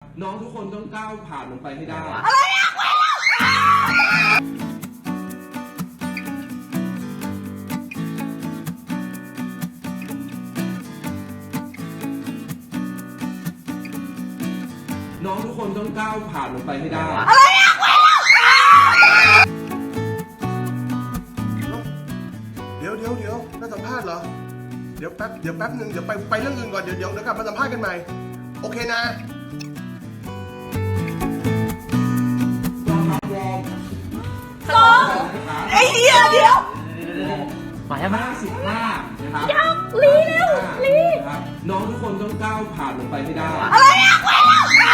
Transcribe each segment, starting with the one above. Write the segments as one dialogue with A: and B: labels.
A: น้องทุกคนต้องก้าวผ่านมันไปให้ได้น้องทุกคนต้องก้าวผ่านมันไปให้ได้
B: เดี๋ยวน่าสัมภาษณ์เหรอเดี๋ยวแป๊บนึงเดี๋ยวไปเรื่องอื่นก่อนเดี๋ยวกลับมาสัมภาษณ์กันใหม่โอเคนะ
C: ไอ้เหี้ยเดี๋ยว
A: มาแล้วมา55นะครับ
C: ยังลีเร็วลี
A: นะครับน้องทุกคนต้องก้าวผ่านมันไปให้ได้
C: อะไรอะเว้ย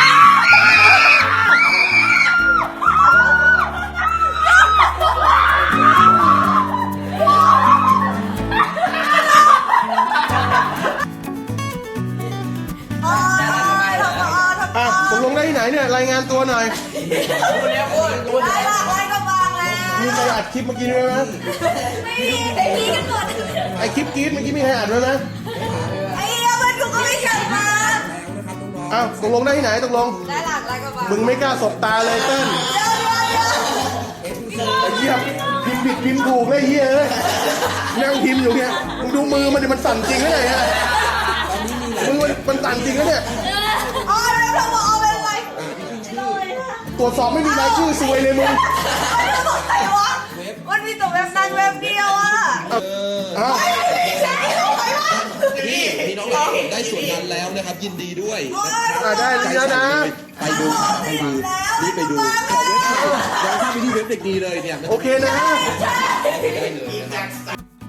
B: ตกลงได้ที่ไหนเนี่ยรายงานตัวหน่อย
C: ได้ละไอ้ก็วางแล้ว
B: มีใครอัดคลิปเมื่อกี้ด้วยไหม
C: ไม่มีแต่พี่กันหมด
B: ไอคลิปกรี๊ดเมื่อกี้มีใครอัดด้วยไหม
C: ไอ้เหี้ยมันกูก็ไม่เชิญมา
B: ตกลงได้ที่ไหนตกลง
C: ได้หลักอะไรก็วาง
B: มึงไม่กล้าสบตาเลยเต้นไอ้เหี้ยพิมพ์ผิดพิมพ์ถูกเลยเหี้ยเอ้ยนั่งพิมพ์อยู่เนี่ยมึงดูมือมันดิมันสั่นจริงหรือไงฮะมือมันสั่นจริงนะเนี่ย
C: อ๋อแล้วเราบอกเอาไปไว้
B: ตรวจสอบไม่มีรายชื่อซวยเลยมึง
C: แล้วบอกใครวะมันมีแต่เว็บนั้นเว็บเดียวอ่ะ
B: อ้าว
C: ใช่เอาไปวะ
D: พี่น้องเราได้ส่วนนั้นแล้วนะครับ ยินดีด้วย
B: ได้แล้วนะ
D: ไปดูนี่ไปดูขอเว็บไซต์ย้อนเข้าไปที่เว็บเด็กดีเลยเนี่ย
B: โอเคนะ
D: ได้เลยนะครับ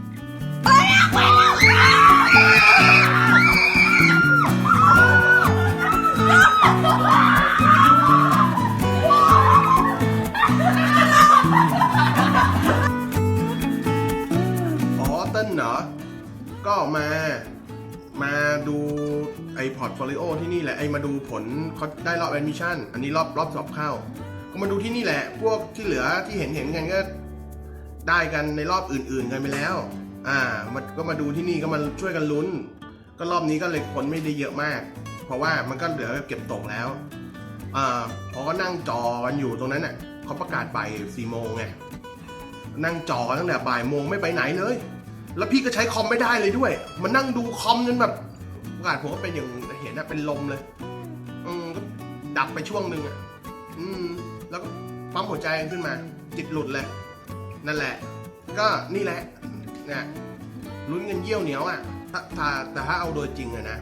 B: อ๋อเต้นเหรอก็มาดูไอ้พอร์ตโฟลิโอที่นี่แหละไอ้มาดูผลเขาได้รอบแอดมิชชั่นอันนี้รอบสอบเข้าก็มาดูที่นี่แหละพวกที่เหลือที่เห็นกันก็ได้กันในรอบอื่นๆกันไปแล้วมันก็มาดูที่นี่ก็มาช่วยกันลุ้นก็รอบนี้ก็เลยผลไม่ได้เยอะมากเพราะว่ามันก็เหลือเก็บตกแล้วพอก็นั่งจอกันอยู่ตรงนั้นน่ะเขาประกาศบ่าย4 โมงไงนั่งจอตั้งแต่บ่ายโมงไม่ไปไหนเลยแล้วพี่ก็ใช้คอมไม่ได้เลยด้วยมันนั่งดูคอมจนแบบประกาศผมก็เป็นอย่างเห็นนะเป็นลมเลยก็ดับไปช่วงหนึ่งแล้วก็ปั๊มหัวใจขึ้นมาจิตหลุดเลยนั่นแหละก็นี่แหละเนี่ยลุ้นเงินเยี่ยวเหนียวแต่ถ้าเอาโดยจริงอะนะ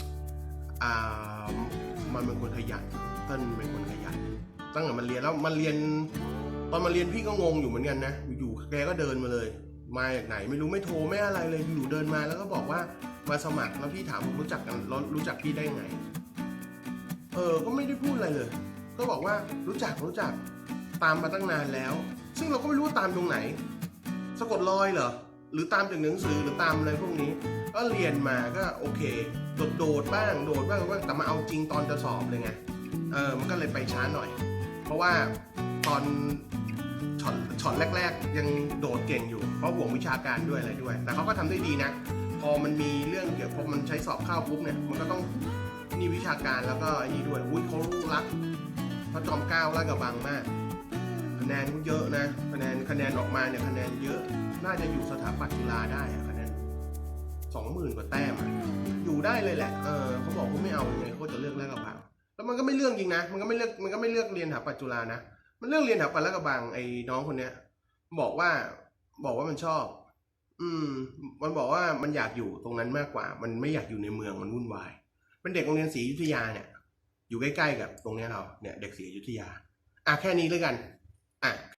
B: มันเป็นคนขยันเต้นเป็นคนขยันตั้งแต่มันเรียนแล้วมันเรียนตอนมาเรียนพี่ก็งงอยู่เหมือนกันนะอยู่แกก็เดินมาเลยมาจากไหนไม่รู้ไม่โทรไม่อะไรเลยอยู่เดินมาแล้วก็บอกว่ามาสมัครแล้วพี่ถามผมรู้จักกันรู้จักพี่ได้ไงก็ไม่ได้พูดอะไรเลยก็บอกว่ารู้จักตามมาตั้งนานแล้วซึ่งเราก็ไม่รู้ว่าตามตรงไหนสะกดรอยเหรอหรือตามจากหนังสือหรือตามอะไรพวกนี้ก็เรียนมาก็โอเคโดดบ้างแต่มาเอาจริงตอนจะสอบเลยไงมันก็เลยไปช้าหน่อยเพราะว่าตอนช็อตแรกๆยังโดดเก่งอยู่เพราะห่วงวิชาการด้วยอะไรด้วยแต่เขาก็ทำได้ดีนะพอมันมีเรื่องเกี่ยวกับมันใช้สอบเข้าปุ๊บเนี่ยมันก็ต้องนี่วิชาการแล้วก็นี่ด้วยเขารักพระจอมเกล้าลาดกระบังมากคะแนนเยอะนะคะแนนออกมาเนี่ยคะแนนเยอะน่าจะอยู่สถาปัตย์จุฬาได้คะแนน 20,000 กว่าแต้มอยู่ได้เลยแหละเขาบอกเขาไม่เอายังไงเขาจะเลือกลาดกระบังแล้วมันก็ไม่เลือกจริงนะมันก็ไม่เลือกเรียนสถาปัตย์จุฬานะมันเรื่องเรียนแถวปัลลากระบังไอ้น้องคนเนี้ยบอกว่ามันชอบมันบอกว่ามันอยากอยู่ตรงนั้นมากกว่ามันไม่อยากอยู่ในเมืองมันวุ่นวายเป็นเด็กโรงเรียนศรีอยุธยาเนี่ยอยู่ใกล้ๆกับตรงนี้เราเนี่ยเด็กศรีอยุธยาแค่นี้เลยกัน